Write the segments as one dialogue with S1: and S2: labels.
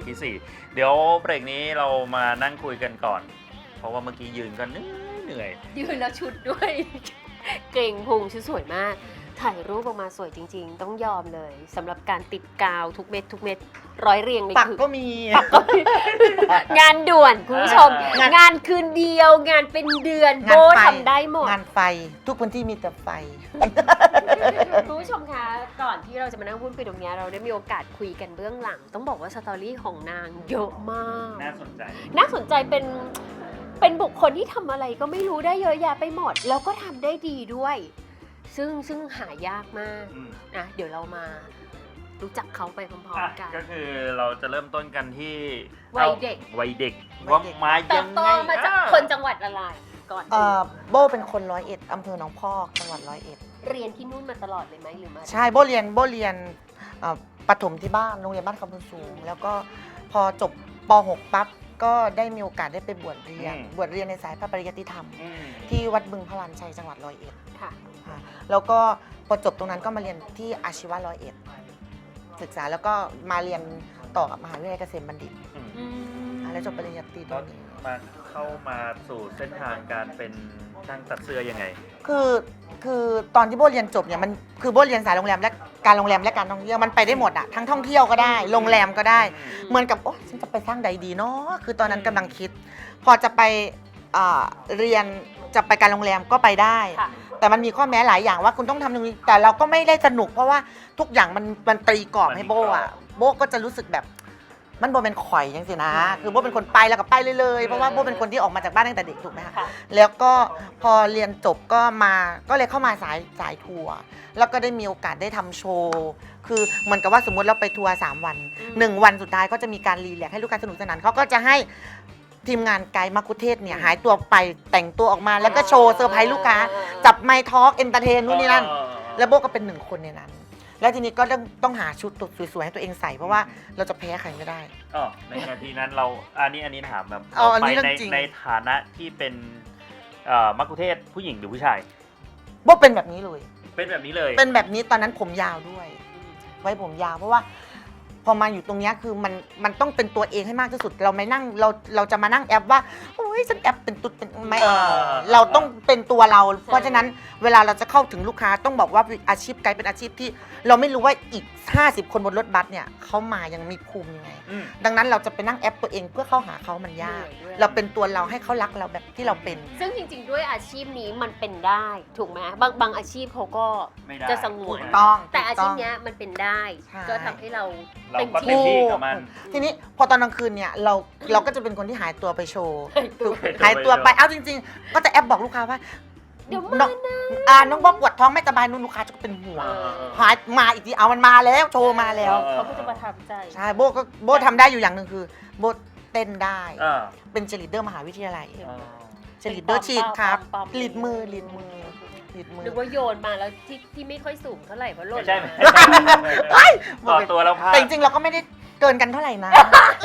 S1: ที่ 4เดี๋ยวเบรกนี้เรามานั่งคุยกันก่อน เพราะว่าเมื่อกี้ยืนก็เหนื่อย
S2: ยืนแล้วชุดด้วย เก่งพุงชุดสวยมาก ถ่ายรูปออกมาสวยจริงๆ ต้องยอมเลยสำหรับการติดกาวทุกเม็ดทุกเม็ดร้อยเรียงใน
S3: ปักก็มี
S2: งานด่วนคุณผู้ชม งานคืนเดียวงานเป็นเดือนโบทำได้หมด
S3: งานไฟทุกพื้นที่มีแต่ไฟ
S2: คุณผู้ชมคะก่อนที่เราจะมานั่งพูดคุยตรงนี้เราได้มีโอกาสคุยกันเบื้องหลัง ต้องบอกว่าสตอรี่ของนางเยอะมาก
S1: น่าสนใจ
S2: น่าสนใจเป็นบุคคลที่ทำอะไรก็ไม่รู้ได้เยอะแยะไปหมด แล้วก็ทำได้ดีด้วย ซึ่งหายากมากนะเดี๋ยวเรามารู้จักเขาไปพร้อมๆกัน
S1: ก็คือเราจะเริ่มต้นกันที่
S2: วัยเด็ก
S1: วัยเด็กว่ามา
S2: เติ
S1: ยั
S2: บ
S1: ง
S2: โต
S1: ไง
S2: มาจากคนจังหวัดอะไรก่อน
S3: โบเป็นคน101อำเภอหนองพอกจังหวัด101
S2: เรียนที่นู่นมาตลอดเลยไหมหรือมา
S3: ใช่โบเรียนประถมที่บ้านโรงเรียนบ้านคำพูนสูง แล้วก็พอจบป .6 ปั๊บก็ได้มีโอกาสได้ไปบวชเรียนในสายพระปริยัติธรรม ที่วัดบึงพลานชัยจังหวัด101
S2: ค่ะ
S3: แล้วก็พอจบตรงนั้นก็มาเรียนที่อาชีวะ101ศึกษาแล้วก็มาเรียนต่อกับมหาวิทยาลัยเกษมบัณฑิตแล้วจบปริญญาตรีต
S1: ต
S3: ร
S1: อน
S3: งนี้
S1: มาเข้ามาสู่เส้นทางการเป็นช่างตัดเสื้อยังไง
S3: คือตอนที่โบเรียนจบเนี่ยมันคือโบเรียนสายโรงแรมและการโรงแรมและการท่องเที่ยวมันไปได้หมดอะทั้งท่องเที่ยวก็ได้โรงแรมก็ได้ เหมือนกับโอ้ฉันจะไปสร้างใดดีเนาะคือตอนนั้นกำลังคิด พอจะไปเรียนจะไปการโรงแรมก็ไปได้
S2: ค่ะ
S3: แต่มันมีข้อแม้หลายอย่างว่าคุณต้องทำตรงนี้แต่เราก็ไม่ได้สนุกเพราะว่าทุกอย่างมันตีกรอบให้โบอะโบก็จะรู้สึกแบบมันโบเป็นข่อยยังสินะคือโบเป็นคนไปแล้วก็ไปเลยเพราะว่าโบเป็นคนที่ออกมาจากบ้านตั้งแต่เด็กถูกไหมคะ
S2: ค่ะ
S3: แล้วก็พอเรียนจบก็เลยเข้ามาสายทัวร์แล้วก็ได้มีโอกาสได้ทำโชว์คือเหมือนกับว่าสมมติเราไปทัวร์3 วัน1 วันสุดท้ายก็จะมีการรีแลกซ์ให้ลูกค้าสนุกสนานเขาก็จะให้ทีมงานไกด์มักคุเทศเนี่ยหายตัวไปแต่งตัวออกมาแล้วก็โชว์เซอร์ไพรส์ลูกค้าจับไมค์ทอล์กเอนเตอร์เทนนู่นนี่นั่นแล้วโบก็เป็น1 คนในนั้น แล้วทีนี้ก็ต้องหาชุดสวยๆให้ตัวเองใส่เพราะว่าเราจะแพ้ใครไม่ได้
S1: ในนาทีนั้นเราอันนี้ถามแบบ
S3: อันนี้
S1: ไป
S3: เรื่องจริง
S1: ในฐานะที่เป็นมัคคุเทศก์ผู้หญิงหรือผู้ชาย
S3: โบเป็นแบบนี้เลย
S1: เป็นแบบนี้เลย
S3: เป็นแบบนี้ตอนนั้นผมยาวด้วย ไว้ผมยาวเพราะว่าพอมาอยู่ตรงเนี้ยคือมันต้องเป็นตัวเองให้มากที่สุดเราไม่นั่งเราจะมานั่งแอปว่าโอ้ยฉันแอปเป็นตุ๊ดเป็นไม่เราต้องเป็นตัวเรา เพราะฉะนั้นเวลาเราจะเข้าถึงลูกค้าต้องบอกว่าอาชีพไกด์เป็นอาชีพที่เราไม่รู้ว่าอีก50 คนบนรถบัสเนี่ยเขามายังมีภูมิยังไง ดังนั้นเราจะไปนั่งแอปตัวเองเพื่อเข้าหาเขามันยาก เราเป็นตัวเราให้เขารักเราแบบที่เราเป็น
S2: ซึ่งจริงๆด้วยอาชีพนี้มันเป็นได้ถูกไหมบางอาชีพเขาก็
S1: ไม่ได้
S2: จะสงวน
S3: ถูกต้อง
S2: แต่อาชีพ
S3: ถูกต้อง
S2: เนี้ยมันเป็นได้
S3: ใช่
S2: ก็ทำให้เรา
S1: เรา
S2: เต็ม
S1: ก็เต็ม
S2: ที่
S1: ที่กับมัน
S3: ทีนี้พอตอนกลางคืนเนี่ยเราก็จะเป็นคนที่หายตัวไปโชว์
S1: หายตัว
S3: ไปเอาจริงๆ ก็จะแอปบอกลูกค้าว่า
S2: เดี๋ยว
S3: น้
S2: มา
S3: อง
S2: นะ
S3: น้องบ๊อบปวดท้องไม่สบายนู่นลูกค้าจะเป็นห่วง
S2: เออ
S3: หายมาอีกทีเอามันมาแล้วโชว์มาแล้ว
S2: เขาก็จะมาทำใจ
S3: ใช่โบทำได้อยู่อย่างหนึ่งคือโบเต้นได้
S1: อ่า
S3: เป็นเจลิเดอร์มหาวิทยาลัย
S1: อ่า
S3: เจลิเดอร์ฉีดครับ
S2: ปั๊ม
S3: ลีดมือลีดมือ
S2: หรือว่าโยนมาแล้วที่ไม่ค่อยสูงเท่าไหร่เพราะหล่น
S1: ไม่ใช่
S2: มา
S3: เฮ้ย
S1: ต่อตัวแล้วพลาด
S3: แต่จริงๆเราก็ไม่ได้เกินกันเท่าไหร่นะ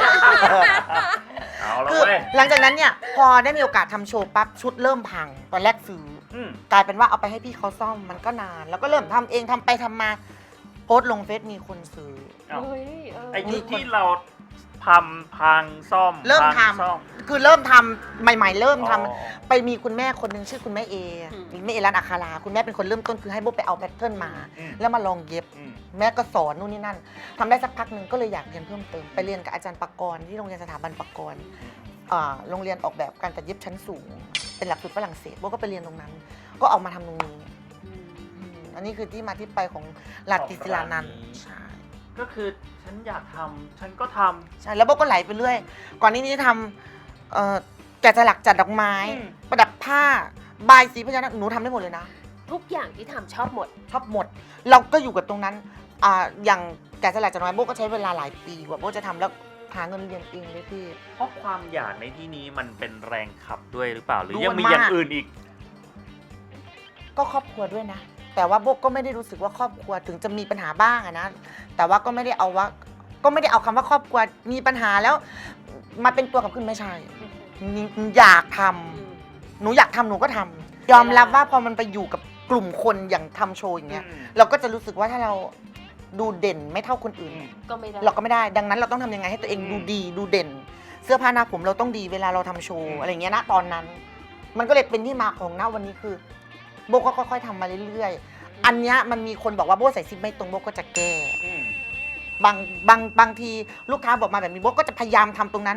S1: เอาแล้ว
S3: คือ
S1: เว้ย
S3: หลังจากนั้นเนี่ยพอได้มีโอกาสทำโชว์ปั๊บชุดเริ่มพังตอนแรกซื้อ
S1: อืม
S3: กลายเป็นว่าเอาไปให้พี่เขาซ่อมมันก็นาน แล้วก็เริ่มทำเองทำไปทำมาโพสต์ลงเฟซมีคนซื้อ
S1: เอ้า
S2: เฮ้ยเออ
S1: ไอ้ที่เราพังซ่อม
S3: เริ่มท
S1: พังซ่อม
S3: ำคือเริ่มทำใหม่ๆ เริ่มทำ
S1: อ๋อ
S3: ไปมีคุณแม่คนหนึงชื่อคุณแม่เอแม่เอร้านอัคาราคุณแม่เป็นคนเริ่มต้นคือให้โบไปเอาแพทเทิร์นมา
S1: อืม
S3: แล้วมาลองเย็บ
S1: อืม
S3: แม่ก็สอนนู่นนี่นั่นทำได้สักพักหนึ่งก็เลยอยากเรียนเพิ่มเติมไปเรียนกับอาจารย์ปกรณ์ที่โรงเรียนสถาบันปกรณ์โรงเรียนออกแบบการตัดเย็บชั้นสูง เป็นหลักสูตรฝรั่งเศสโบก็ไปเรียนตรงนั้น ก็ออกมาทำตรงนี้อันนี้คือที่มาที่ไปของลาติศิลานันท์ใช่
S1: ก็คือฉันอยากทำฉันก็ทำ
S3: ใช่แล้วโบก็ไหลไปเรื่อย ก่อนนี้ทำแกะสลักจัดดอกไม้
S1: อืม
S3: ประดับผ้าบายสีพญานาคหนูทำได้หมดเลยนะ
S2: ทุกอย่างที่ทำชอบหมด
S3: ชอบหมด เราก็อยู่กับตรงนั้นอย่างแกะสลักจัดดอกไม้โบก็ใช้เวลาหลายปีกว่าโบจะทำแล้วหาเงินเรียนเองเลยพี่
S1: เพราะความอยากในที่นี้มันเป็นแรงขับด้วยหรือเปล่า หรือ
S3: ด้วย
S1: ยังมีอย่าง
S3: มาก
S1: อื่นอีก
S3: ก็ครอบครัวด้วยนะ แต่ว่าโบก็ไม่ได้รู้สึกว่าครอบครัวถึงจะมีปัญหาบ้างอะนะแต่ว่าก็ไม่ได้เอาคำว่าครอบครัวมีปัญหาแล้วมาเป็นตัวกับขึ้นไม่ใช่อยากทำหนูอยากทำหนูก็ทำยอมรับว่าพอมันไปอยู่กับกลุ่มคนอย่างทำโชว์อย่างเงี้ย เราก็จะรู้สึกว่าถ้าเราดูเด่นไม่เท่าคนอื่น
S2: ก็ไม่ได้
S3: เราก็ไม่ได้ ดังนั้นเราต้องทำยังไงให้ตัวเองดูดีดูเด่น เสื้อผ้าหน้าผมเราต้องดีเวลาเราทำโชว์อะไรอย่างเงี้ยนะตอนนั้น มันก็เลยเป็นที่มาของณวันนี้คือโบก็ค่อยๆทำมาเรื่อยๆ อันเนี้ยมันมีคนบอกว่าโบใส่ซิปไม่ตรงโบก็จะแก้บางทีลูกค้าบอกมาแบบนี้โบก็จะพยายามทำตรงนั้น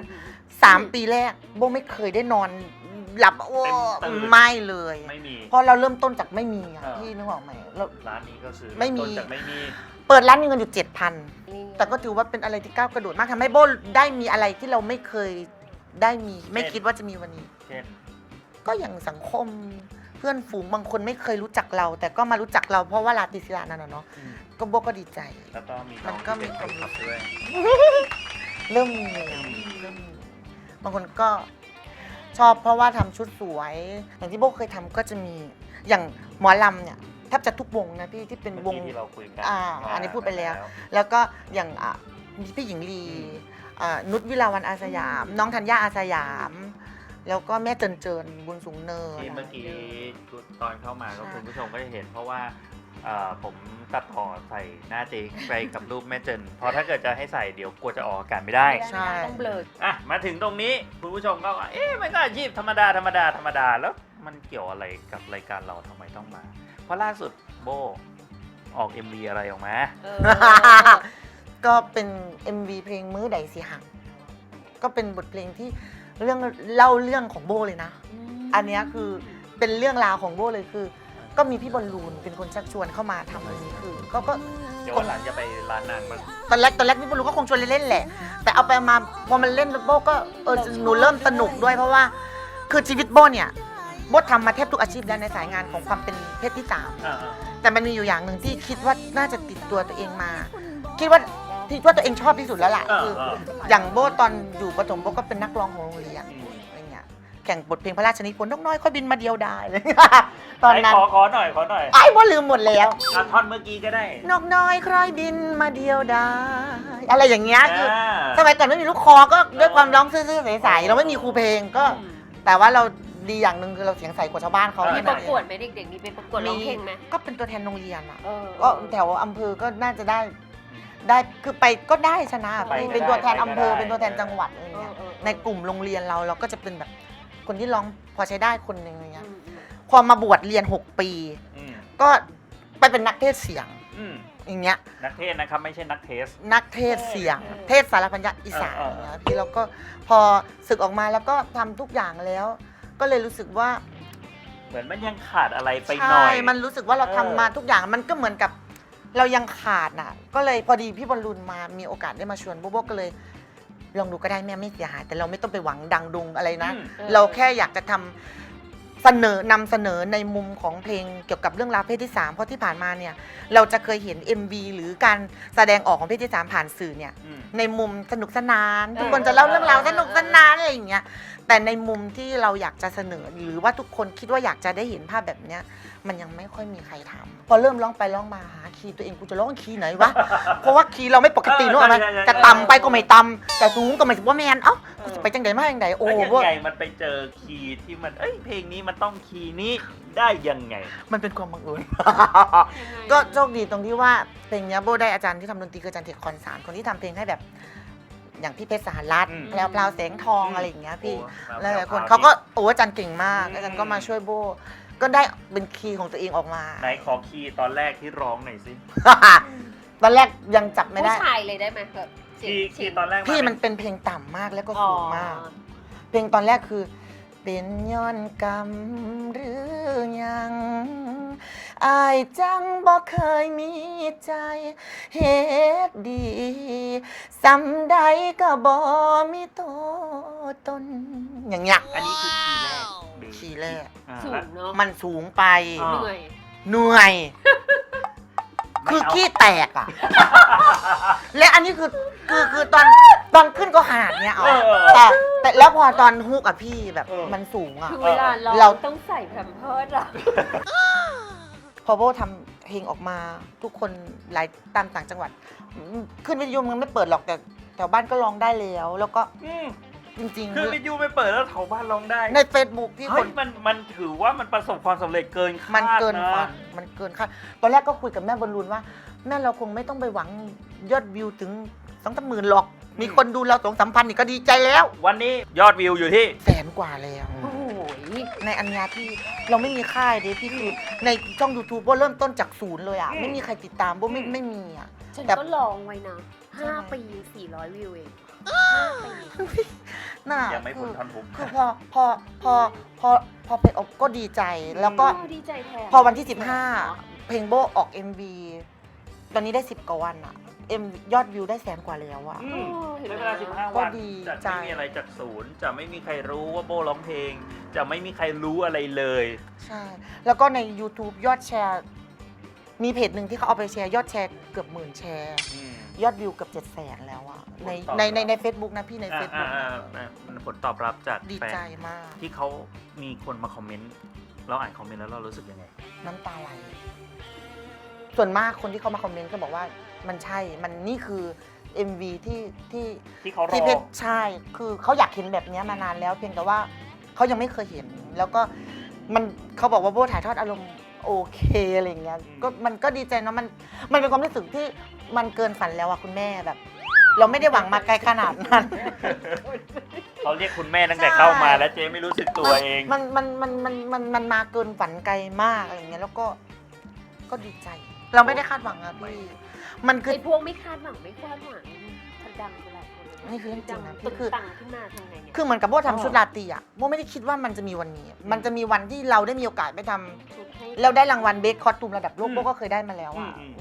S3: 3 ปีแรกโบไม่เคยได้นอนหลับโอ้
S1: เต็มตื่น
S3: ไม่เลย
S1: ไม่มี
S3: เพราะเราเริ่มต้นจากไม่มีอะ
S1: เออ
S3: พี่นึกออกไหมเรา
S1: ร้านนี้ก็คือ
S3: ไม่มี
S1: ต้นจากไม่มี
S3: เปิดร้านมีเงินอยู่ 7,000 แต่ก็ถือว่าเป็นอะไรที่ก้าวกระโดดมากทำให้โบได้มีอะไรที่เราไม่เคยได้มี ไม่คิดว่าจะมีวันนี้
S1: เช่น
S3: ก็อย่างสังคมเพื่อนฝูงบางคนไม่เคยรู้จักเรา แต่ก็มารู้จักเราเพราะว่าลาติศิลานั่นน่ะเนาะก็โบก็ดีใจ
S1: แล้วก็มี
S3: มั
S1: น้อง
S3: นก็
S1: ที่เป็น
S3: มี
S1: คนขับด้วย
S3: เริ่มมีแล้วเริ่มมีบางคนก็ชอบเพราะว่าทำชุดสวย อย่างที่โบเคยทำก็จะมีอย่างหมอลำเนี่ยแทบจะทุกวงนะพี่ที่เป็นว
S1: เมื่
S3: ง
S1: อกี้ที่เราคุยกัน
S3: อันนี้พูดไปแล้ว แล้วก็อย่างพี่หญิงลีนุชวิลาวันอาสยาม น้องธัญญาอาสยาม แล้วก็แม่เจินเจินบุญสูงเนิน
S1: ที่เมื่อกี้ตอนเข้ามาก็
S3: ใช่
S1: คุณผู้ชมก็จะเห็นเพราะว่าผมตัดต่อใส่หน้าเจ๊ไปกับรูปแม่เจนเพราะถ้าเกิดจะให้ใส่เดี๋ยวกลัวจะออกอากาศไม่ได้
S3: ใช่
S2: ต้องเบลอ
S1: อ่ะมาถึงตรงนี้คุณผู้ชมก็ว่าเอ๊ะมันก็อาชีพธรรมดาแล้วมันเกี่ยวอะไรกับรายการเราทำไมต้องมา เพราะล่าสุดโบออก MV อะไรออกมา
S3: ก็เป็น MV เพลงมื้อใดสิหังก็เป็นบทเพลงที่เล่าเรื่องของโบเลยนะ อันเนี้ยคือเป็นเรื่องราวของโบเลยคือ ก็มีพี่บอลลูนเป็นคนชักชวนเข้ามาทำอันนี้คือก็
S1: เดี๋ยววันหลังจะไปร้านนางบ้าง
S3: ตอนแรกพี่บอลลูนก็คงชวนเล่นๆแหละ แต่เอาไปมาพอมันเล่นโบก็หนูเริ่มสนุกด้วยเพราะว่าคือชีวิตโบเนี่ยโบทำมาแทบทุกอาชีพแล้วในสายงานของความเป็นเพศที่สาม แต่มันมีอยู่อย่างหนึ่งที่คิดว่าน่าจะติดตัวตัวเองมา คิดว่าตัวเองชอบที่สุดแล้วล่ะคืออย่างโบตอนอยู่ประถมโบก็เป็นนักร้องของโรงเรียนอะไรเงี้ยแข่งบทเพลงพระราชนิพนธ์นกน้อยค่อยบินมาเดียวได้เลย ตอนนั้น
S1: ขอหน่อย
S3: ไอ้โบลืมหมดแล้ว
S1: ท่อนเมื่อกี้ก็ได้
S3: นกน้อยค่อยบินมาเดียวได้อะไรอย่างเงี้ยคือ
S1: อ่า
S3: สมัยก่อนไม่มีลูกคอก็ด้วยความร้องซื่อๆใสๆเราไม่มีครูเพลงก็ แต่ว่าเราดีอย่างหนึ่งคือเราเสียงใสกว่าชาวบ้านเขา
S2: มี
S3: แค่
S2: ป
S3: นั้
S2: ระ
S3: น
S2: กวดไหมเด็กๆมีเป็นประกวดร้องเพลงไหม
S3: ก็เป็นตัวแทนโรงเรียนอ่ะ
S2: เออ
S3: ก็แถวอำเภอก็น่าจะได้คือไปก็ได้ชนะ
S1: ไปก็
S3: เป็นตัวแทนอำเภอ
S1: ได้
S3: เป็นตัวแทนจังหวัดอะไรเงี้ยในกลุ่มโรงเรียนเราก็จะเป็นแบบคนที่ร้องพอใช้ได้คนหนึ่งอะไรเงี้ยพอมาบวชเรียน 6 ปี
S1: อืม
S3: ก็ไปเป็นนักเทศเสียง
S1: อืม
S3: อย่างเงี้ย
S1: นักเทศนะครับไม่ใช่นักเทส
S3: นักเทศเสียง เทศสารพันยะอีสาน
S1: เออ
S3: อย่างเงี้ยพี่แล้วก็พอศึกออกมาแล้วก็ทำทุกอย่างแล้ว ก็เลยรู้สึกว่า
S1: เหมือนมันยังขาดอะไรไปหน่
S3: ใช่
S1: อย
S3: มันรู้สึกว่าเราทำมาทุกอย่างมันก็เหมือนกับเรายังขาดน่ะ ก็เลยพอดีพี่บอลลูนมามีโอกาสได้มาชวนโบโบก็เลย ลองดูก็ได้แม่ไม่เสียหาย แต่เราไม่ต้องไปหวังดังดุงอะไรนะ เราแค่อยากจะทำนำเสนอในมุมของเพลงเกี่ยวกับเรื่องราวเพศที่ 3 เพราะที่ผ่านมาเนี่ยเราจะเคยเห็น MV หรือการแสดงออกของเพศที่ 3 ผ่านสื่อเนี่ย
S1: อืม
S3: ในมุมสนุกสนาน ทุกคนจะเล่าเรื่องราวสนุกสนานอะไรอย่างเงี้ยแต่ในมุมที่เราอยากจะเสนอหรือว่าทุกคนคิดว่าอยากจะได้เห็นภาพแบบเนี้ยมันยังไม่ค่อยมีใครทำพอเริ่มร้องไปร้องมาหาคีย์ตัวเองกูจะร้องคีย์ไหนวะ เพราะว่าคีย์เราไม่ปกตินึกออกไหม
S1: ใช่
S3: จะต่ำไปก็ไม่ต่ำจะสูงก็ไม่สูงว่าแมนเอ้ากูจะไปจังใดมาจังใดโอ้
S1: แล้วยัง
S3: ว่า
S1: ไงมันไปเจอคีย์ที่มันเพลงนี้มันต้องคีย์นี้ได้ยังไง
S3: มันเป็นความบังเอิญ ก็โชคดีตรงที่ว่าเพลงเนี้ยโบได้อาจารย์ที่ทำดนตรีคืออาจารย์เทคคอนสารคนที่ทำเพลงให้แบบ อย่างพี่เพชรสหรัฐ
S1: อืม
S3: แล้วพลาวแสงทองอะไรอย่างเงี้ยพี่
S1: โอ้
S3: หลายๆคน
S1: แพรวๆ
S3: เขาก็โอ้อาจารย์เก่งมาก
S1: อืม
S3: อาจารย์ก็มาช่วยโบ ก็ได้เป็นคีย์ของตัวเองออกมา
S1: ไหนขอคีย์ตอนแรกที่ร้องหน่อยสิ
S3: ตอนแรกยังจับไม่ได้
S2: ผู้ชายเลยได้ไหมแบบเสียง
S1: คีย์ตอนแรก
S3: พี่
S1: า
S3: มันเป็นเพลงต่ำมากแล้วก็
S2: อ๋อ
S3: สูงมาก เพลงตอนแรกคือ เป็นย้อนกรรมหรือยังอายจังบ่เคยมีใจเฮ็ดดีสำใดก็บ่มีตัวตนอย่างเงี้ย
S1: อันนี้คือคีย์แรกหรือ
S3: คีย์แรก
S1: อ่า
S2: สู
S1: แล้ว
S2: งเนาะ
S3: มันสูงไป
S1: อ่า
S2: เหนื่อย
S3: เหนื่อย
S1: ไม่
S3: คือ
S1: เอา
S3: ขี้แตกอ่ะ และอันนี้คือตอนขึ้นก็ขนาดเนี้ยเอา
S1: เออ
S3: แต่แล้วพอตอนฮุกอ่ะพี่แบบ
S1: เออ
S3: มันสูงอ่ะ
S2: คือเวลา
S3: เรา
S2: เราต้องใส่แพมเพิร์สอะ
S3: พอโบทำเพลงออกมาทุกคนหลายตามต่างจังหวัดขึ้นวิทยุมันไม่เปิดหรอกแต่แถวบ้านก็ร้องได้แล้วก็
S1: อืม
S3: จริง
S1: คือวิทยุไปเปิดแล้วแถวบ้านร้องได้
S3: ๆ ใน Facebook ที่ค
S1: เฮ้ย
S3: น
S1: มันถือว่ามันประสบความสำเร็จเกินคาด
S3: มันเกิน
S1: นะ
S3: ฝันมันเกินคาดตอนแรกก็คุยกับแม่บอลลูนว่าแม่เราคงไม่ต้องไปหวังยอดวิวถึง2-3 หมื่นหรอก มีคนดูเรา2-3 พันนี่ก็ดีใจแล้ว
S1: วันนี้ยอดวิวอยู่ที่
S3: 100,000 กว่าแล้ว
S2: โอ้ย
S3: ในอันเนี้ยที่เราไม่มีค่ายเดพี่คือในช่อง YouTube โบเริ่มต้นจากศูนย์เลยอ่ะ ไม่มีใครติดตามโบไม่มีอ่ะ
S2: ฉัน
S3: แต่
S2: ก็ลองไว้นะ
S3: ใช่
S2: 5 ปี 400 วิวเอง5 ปี
S3: น่า
S1: ยังไม่พ้น
S3: คือ
S1: ท่อนทุก
S3: คือพอเพลงออกก็ดีใจแล้วก็
S2: ดีใจแทน
S3: พอวันที่ 15 เพลงโบออก MV ตอนนี้ได้ 10 กว่าวันอะยอดวิวได้100,000 กว่าแล้วอะ
S2: เห็น
S1: ใช้
S2: ไหม
S1: เวลา 15 วัน
S3: ก็ดี
S1: จะ
S3: ใจ
S1: ไม่มีอะไรจากศูนย์ จะไม่มีใครรู้ว่าโบร้องเพลง จะไม่มีใครรู้อะไรเลย
S3: ใช่ แล้วก็ใน YouTube ยอดแชร์ มีเพจหนึ่งที่เขาเอาไปแชร์ยอดแชร์เกือบ10,000 แชร์ ยอดวิวเกือบ700,000 แล้วอะใน
S1: ผลตอบรับ
S3: ใน Facebook นะพี่ใน Facebook
S1: มันผลตอบรับจาก
S3: ดี
S1: แฟ
S3: ใจ
S1: น
S3: มาก
S1: ที่เขามีคนมาคอมเมนต์ เราอ่านคอมเมนต์แล้วเรารู้สึกยังไง
S3: น้ำตาไหล ส่วนมากคนที่เขามาคอมเมนต์ก็บอกว่ามันใช่ มันนี่คือ MV
S1: ที่เขาร
S3: ที่
S1: อ
S3: เพชรใช่ คือเขาอยากเห็นแบบนี้มานานแล้ว เพียงแต่ว่าเขายังไม่เคยเห็น แล้วก็เขาบอกว่าโบถ่ายทอดอารมณ์โอเคอะไรอย่างเงี้ย ก็มันก็ดีใจเนาะ มันเป็นความรู้สึกที่มันเกินฝันแล้วอะคุณแม่แบบ เราไม่ได้หวังมาไกลขนาดนั้น
S1: เขาเรียกคุณแม่ตั้งแต่เข้ามาแล้วเจ๊ไม่รู้สึกตัวเอง
S3: มันมาเกินฝันไกลมากอะไรอย่างเงี้ย แล้วก็ดีใจ เราไม่ได้คาดหวังอะพี่ มันคือ
S2: ไอ้พวกไม่คาดหวังไม่คาดหวังมันดังไปหลายคนเลย
S3: นี่คือเรื่องจริงนะ
S2: ตึ
S3: พี่
S2: ง
S3: คือ
S2: ตังขึ้นมาทำไงเนี่ย
S3: คือเหมือนกับโบทำชุดราตรีอะโบไม่ได้คิดว่ามันจะมีวันนี้ มันจะมีวันที่เราได้มีโอกาสไปทำ
S2: ชุดให้
S3: เราได้รางวัลเบสคอสตูมระดับโลก
S1: อืม
S3: โบก็เคยได้มาแล้วอะ
S1: อืม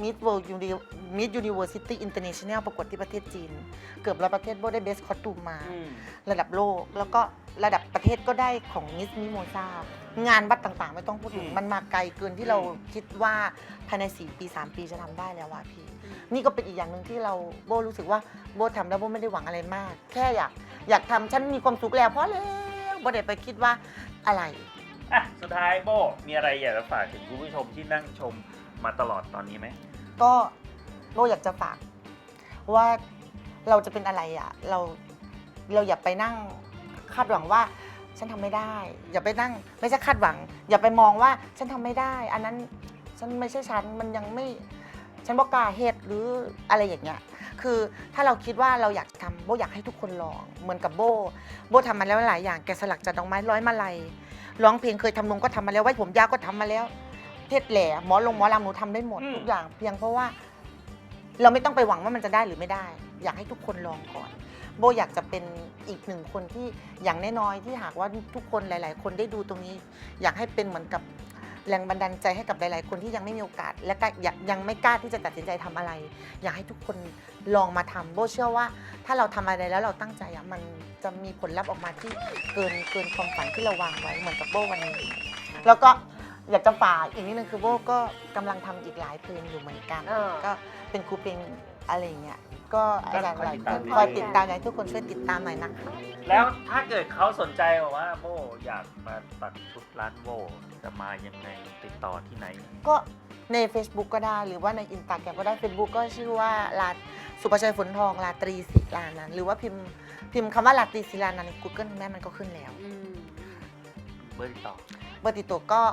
S3: Miss University International ประกวดที่ประเทศจีน เกือบ100 ประเทศโบได้เบสคอสตูมมา ระดับโลก แล้วก็ระดับประเทศก็ได้ของมิสมิโมซางานวัดต่างๆ ไม่ต้องพูดถึง มันมาไกลเกินที่เราคิดว่าภายใน4 ปี 3 ปีจะทำได้แล้วว่ะพี่ นี่ก็เป็นอีกอย่างหนึ่งที่เราโบรู้สึกว่าโบทำแล้วโบไม่ได้หวังอะไรมาก แค่อยากทำฉันมีความสุขแล้วเพราะแล้วโบได้ไปคิดว่าอะไร
S1: อ่ะสุดท้ายโบมีอะไรอยากจะฝากถึงคุณผู้ชมที่นั่งชมมาตลอดตอนนี้ไหม
S3: ก็โบอยากจะฝากว่าเราจะเป็นอะไรอ่ะเราอย่าไปนั่งคาดหวังว่าฉันทำไม่ได้ อย่าไปนั่งไม่ใช่คาดหวัง อย่าไปมองว่าฉันทำไม่ได้ อันนั้นฉันไม่ใช่ฉันมันยังไม่ฉันบอกกล้าเหตุหรืออะไรอย่างเงี้ยคือถ้าเราคิดว่าเราอยากทำโบอยากให้ทุกคนลองเหมือนกับโบทำมาแล้วหลายอย่างแกะสลักจากดอกไม้ร้อยมาลัยร้องเพลงเคยทำนมก็ทำมาแล้วไว้ผมยาวก็ทำมาแล้วเทศแหล่หมอลำหนูทำได้หมดทุกอย่างเพียงเพราะว่า เราไม่ต้องไปหวังว่ามันจะได้หรือไม่ได้ อยากให้ทุกคนลองก่อนโบอยากจะเป็นอีกหนึ่งคนที่อย่างน้อยๆที่หากว่าทุกคนหลาย ๆ คนได้ดูตรงนี้ อยากให้เป็นเหมือนกับแรงบันดาลใจให้กับหลาย ๆ คนที่ยังไม่มีโอกาส และก็ยังไม่กล้าที่จะตัดสินใจทำอะไร อยากให้ทุกคนลองมาทำโบเชื่อว่า ถ้าเราทำอะไรแล้วเราตั้งใจอะมันจะมีผลลัพธ์ออกมาที่เกินความฝันที่เราวางไว้เหมือนกับโบวันนี้แล้วก็อยากจะฝากอีกนิดนึงคือโบก็กำลังทำอีกหลายเพลงอยู่เหมือนกัน ก็เป็นครูเพลงอะไรอย่างเงี้ย ก็อยากหลายคนคอยติดตามอยากให้ทุกคนช่วยติดตามหน่อยนะคะ
S1: แล้วถ้าเกิดเขาสนใจบอกว่าโบอยากมาตัดชุดร้านโบจะมายังไงติดต่อที่ไหน
S3: ก็ใน Facebook ก็ได้หรือว่าใน Instagram ก็ได้ Facebook ก็ชื่อว่าสุภชัยฝนทองราตรีศิลานันท์หรือว่าพิมพ์คำว่าราตรีศิลานันท์ใน Google แม่มันก็ขึ้นแล้ว
S1: เบอร์ติดต่อ
S3: เบอร์ติดต่อก็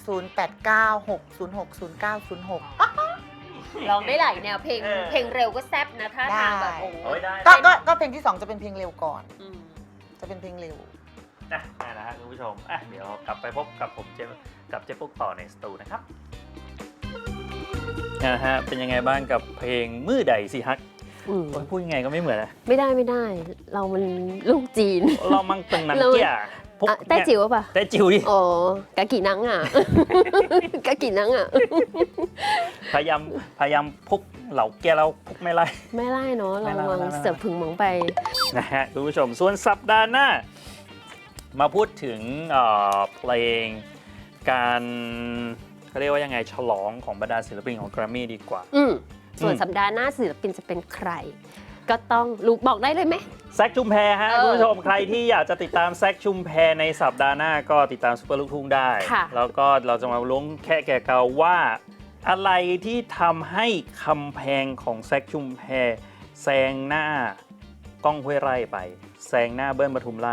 S3: 0896060906
S2: ลองได้หลายแนวเพลงเร็วก็แซ่บนะถ้าทางแบบ
S3: ได้
S2: โอ้
S1: โอ้ยได้
S3: ก็เพลงที่ 2 จะเป็นเพลงเร็วก่อน
S2: อืม
S3: จะเป็นเพลงเร็ว
S1: นะได้นะฮะคุณผู้ชมอ่ะเดี๋ยวกลับไปพบกับผมกับเจ๊ปุ๊กต่อในสตูนะครับฮะเป็นยังไงบ้างกับเพลงมือใดสิฮัก
S2: อืม
S1: โอ้ยพูดยังไงก็ไม่เหมือนนะ
S2: ไม่ได้เรามันลูกจีน
S1: เรามั่งเป็นนังเกี้ยพวก
S2: อ่ะแต้จิ๋วป่ะ
S1: แต่จิ๋วดิ
S2: อ๋อกะกี่นังอ่ะ กะกี่นังอ่ะ
S1: พยายามพุกเหล่าแกเราพุกไม่ไล่
S2: ไม่ไล่เนาะ
S1: ไม่
S2: เรา
S1: ไล่
S2: วาง
S1: ไม่ไล่
S2: เสิร์ฟผึ่งหมองไป
S1: นะฮะคุณผู้ชมส่วนสัปดาห์หน้า มาพูดถึงเพลงการเขาเรียกว่ายังไงฉลองของบรรดาศิลปินของ Grammy ดีกว่า
S2: ส่วนสัปดาห์หน้าศิลปินจะเป็นใคร ก็ต้องลูกบอกได้เลยไหม
S1: แซคชุมแพฮะคุณผู้ชมใครที่อยากจะติดตามแซคชุมแพในสัปดาห์หน้าก็ติดตามซุปเปอร์ลูกทุ่งได้
S2: ค่ะ
S1: แล้วก็เราจะมาล้วงแค่แก่เกาว่าอะไรที่ทำให้คำแพงของแซคชุมแพแซงหน้าก้องห้วยไร่ไปแซงหน้าเบิ้ลปทุมราชไป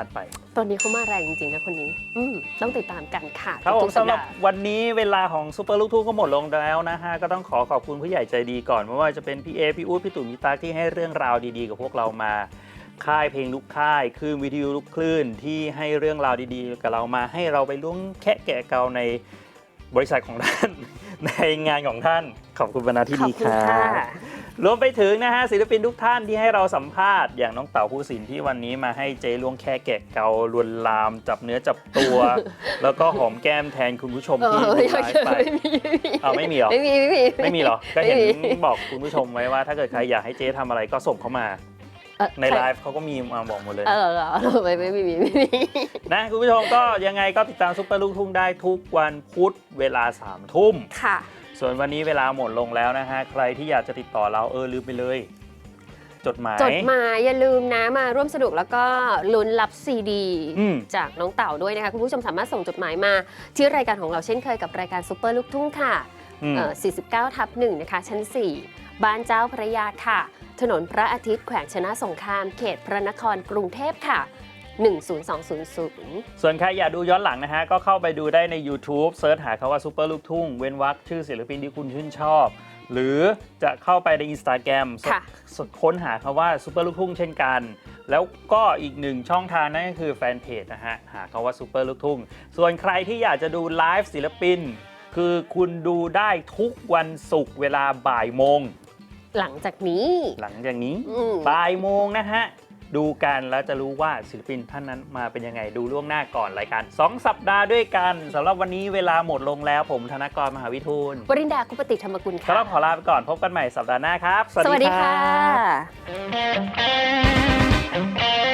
S2: ตอนนี้เขามาแรงจริงๆนะคนนี้ต้องติดตามกันค่ะ
S1: ครับผม
S2: ทุกๆสั
S1: สำ
S2: ป
S1: หรับ
S2: ดาห์
S1: วันนี้เวลาของซูเปอร์ลูกทุ่งก็หมดลงแล้วนะฮะก็ต้องขอบคุณผู้ใหญ่ใจดีก่อนไม่ว่าจะเป็นพี่เอพี่อู๊ดพี่ตุ๋มพี่ตาที่ให้เรื่องราวดีๆกับพวกเรามาค่ายเพลงลูกค่ายคลื่นวิทยุลูกคลื่นที่ให้เรื่องราวดีๆกับเรามาให้เราไปล้วงแคะแกะเกาในบริษัทของท่าน ในงานของท่านขอบคุณบรรณาที่
S2: ขอ
S1: ดี
S2: บ
S1: ค
S2: คุณ
S1: รั
S2: ค่ะ
S1: บรวมไปถึงนะฮะศิลปินทุกท่านที่ให้เราสัมภาษณ์อย่างน้องเต๋าภูสินทร์ที่วันนี้มาให้เจ๊ล้วงแค่แกะเกาลวนลามจับเนื้อจับตัว แล้วก็หอมแก้มแทนคุณผู้ชมที่ดูไลฟ์ไปเอาไม่มีเหรอ
S2: ไม่มี
S1: ไม่มีเหรอก็เห็น
S2: ไม่มี
S1: บอกคุณผู้ชมไว้ว่าถ้าเกิดใครอยากให้เจ๊ทำอะไรก็ส่งเข้ามาในไลฟ์เขาก็มีมาบอกหมดเลย
S2: ไม่มี
S1: นะคุณผู้ชมก็ยังไงก็ติดตามซุปเปอร์ลูกทุ่งได้ทุกวันพุธเวลา 3 ทุ่ม
S2: ค่ะ
S1: ส่วนวันนี้เวลาหมดลงแล้วนะฮะใครที่อยากจะติดต่อเราลืมไปเลย จดหมาย
S2: จดหมายอย่าลืมนะมาร่วมสนุกแล้วก็ลุ้นรับซีดี จากน้องเต่าด้วยนะคะคุณผู้ชมสามารถส่งจดหมายมาที่รายการของเราเช่นเคยกับรายการซุปเปอร์ลูกทุ่งค่ะ 49/1 นะคะชั้น 4 บ้านเจ้าพระยาค่ะ ถนนพระอาทิตย์แขวงชนะสงครามเขตพระนครกรุงเทพค่ะ 10200
S1: ส่วนใครอยากดูย้อนหลังนะฮะก็เข้าไปดูได้ใน YouTube เซิร์ชหาคำว่าซุปเปอร์ลูกทุ่งเว้นวรรคชื่อศิลปินที่คุณชื่นชอบ หรือจะเข้าไปใน Instagram
S2: ค่ะ
S1: ค้นหาคำว่าซุปเปอร์ลูกทุ่งเช่นกัน แล้วก็อีกหนึ่งช่องทางนั่นก็คือแฟนเพจนะฮะหาคำว่าซุปเปอร์ลูกทุ่งส่วนใครที่อยากจะดูไลฟ์ศิลปิน คือคุณดูได้ทุกวันศุกร์เวลาบ่ายโมง
S2: หลังจากนี้
S1: หลังจากนี้
S2: อืม
S1: บ่ายโมงนะฮะ ดูกันแล้วจะรู้ว่าศิลปินท่านนั้นมาเป็นยังไงดูล่วงหน้าก่อนรายการ2 สัปดาห์ด้วยกันสำหรับวันนี้เวลาหมดลงแล้วผมธนกรมหาวิทูล
S2: วรินดาคุปติธรรมกุล
S1: สำห
S2: ค่ะ
S1: รับขอลาไปก่อนพบกันใหม่สัปดาห์หน้าครับ
S2: สวัสดีค่ะ
S1: รับ